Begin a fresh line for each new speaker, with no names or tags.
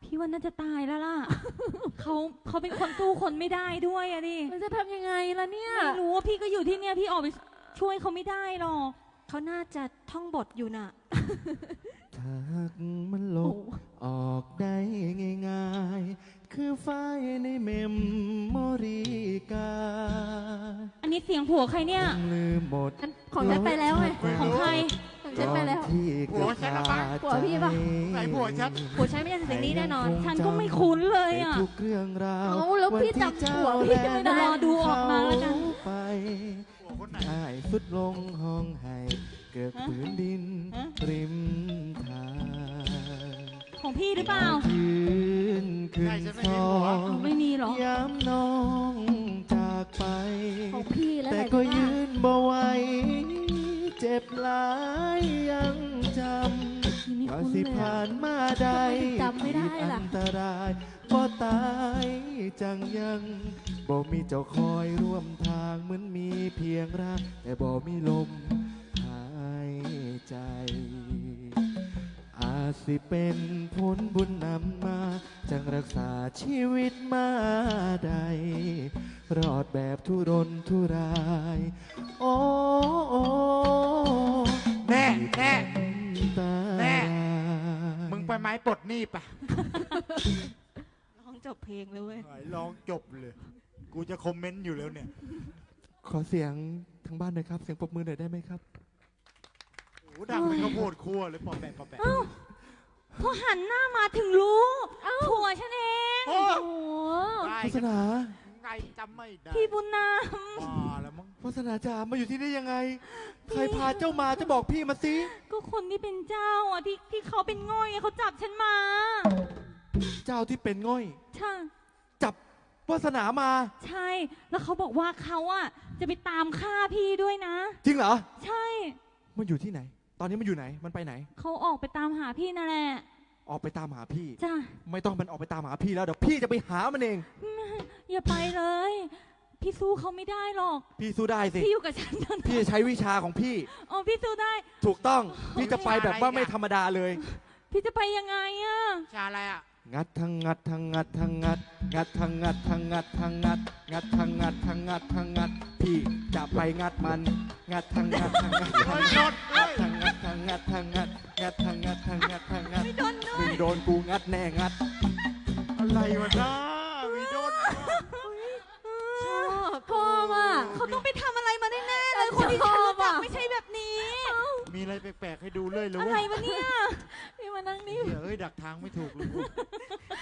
พี่ว่าน่าจะตายแล้วล่ะ เขาเป็นคนสู้คนไม่ได้ด้วยอะดิ
มันจะทำยังไงล่ะเนี่ย
ไม่รู้ว่าพี่ก็อยู่ที่เนี่ยพี่ออกไปช่วยเขาไม่ได้หรอก
เขาน่าจะท่องบทอยู่น่ะ
ถ้ามันลบออกได้ง่ายๆคือไฟในเมมโมรีกา
อันนี้เสียงผัวใครเนี่ย
ลืมหมด
ของฉันไปแล้วไง
ของใคร
ของฉันไปแล้ว
ผัวฉันปะ
ผัวพี่ปะ
ไหนผัวฉัน
ไม่ใช่เสียงนี้แน่นอน
ฉันก็ไม่คุ้นเลยอ่ะ
ทุกเรื่องราว
แล้วพี่จำผัวพี่ไม่ได้
รอดูออกมาแล้วกัน
ได้สุดลงห้องให้เกิดพื้นดินริมทาง
ของพี่หรือเปล่า
ยืนขึ้นซอง
ไม่มีหรอ
ย้ำน้องจากไป
ของพี่แล้ว
แต่ก็ยืนบ่ไหวเจ็บหลายยังจำว่าสิผ่านมาได้
จำไม่ได้ล่ะ
อันตรายบ่ตายจังยังบ่มีเจ้าคอยร่วมทางเหมือนมีเพียงร่างแต่บ่มีลมหายใจอาจสิเป็นผลบุญนำมาจังรักษาชีวิตมาได้รอดแบบทุรนทุรายโอ้
แน่มึงไปไม้ปลดหนี้ปะ
ร้องจบเพลงเลยเว้ย
ร้องจบเลยกูจะคอมเมนต์อยู่แล้วเนี่ย
ขอเสียงทางบ้านหน่อยครับเสียงปรบมือหน่อยได้ไหมครับ
โอ้ดังเป็นข้าวโพดคั่วเลยปอแปะ
พอหันหน้ามาถึงรู้ผัวฉันเอง
โอ้
โฆษณา
ไงจำไม่ได้
พี่บุญนาม
แล้วมั้ง
โฆษณาจ๋ามาอยู่ที่นี่ยังไงใครพาเจ้ามาจะบอกพี่มาสิ
ก็คนที่เป็นเจ้าอ่ะที่เขาเป็นง่อยเขาจับฉันมา
เจ้าที่เป็นง่อย
ใช่
จับวาสนามา
ใช่แล้วเขาบอกว่าเขาอ่ะจะไปตามฆ่าพี่ด้วยนะ
จริงเหรอ
ใช่
มันอยู่ที่ไหนตอนนี้มันอยู่ไหนมันไปไหน
เขาออกไปตามหาพี่นั่นแหละ
ออกไปตามหาพี่
จ้ะ
ไม่ต้องมันออกไปตามหาพี่แล้วเดี๋ยวพี่จะไปหามันเอง
อย่าไปเลยพี่สู้เขาไม่ได้หรอก
พี่สู้ได้สิ
พี่อยู่กับฉัน
พี่จะใช้วิชาของพี่
อ๋อพี่สู้ได้
ถูกต้องพี่จะไปแบบว่าไม่ธรรมดาเลย
พี่จะไปยังไงอะ
ชาอะไรอะ
งัดทั้งงัดทั้งงัดทั้งงัดงัดทั้งงัดทั้งงัดทั้งงัดงัดทั้งงัดทั้งงัดทั้งงัดพี่จะไปงัดมันงัดทั้งงัดทั้งงัดทั้งงัดทั้งงัดทั้งงัดทั้งงัดงัดทั้งงัดทั้งงัดทั้งงัดมึงโดนกูงัดแน่งัด
อะไรวะน้ามีโดน
พ่อว่ะ
เขาต้องไปทำอะไรมาแน่ๆเลยคนที่ฉันรู้จักไม่ใช่แบบนี้
มีอะไรแปลกๆให้ดูเลยหรือ
อะไรวะเนี่ย
พี่มานั่งนี่
เฮ้ยดักทางไม่ถูกเลย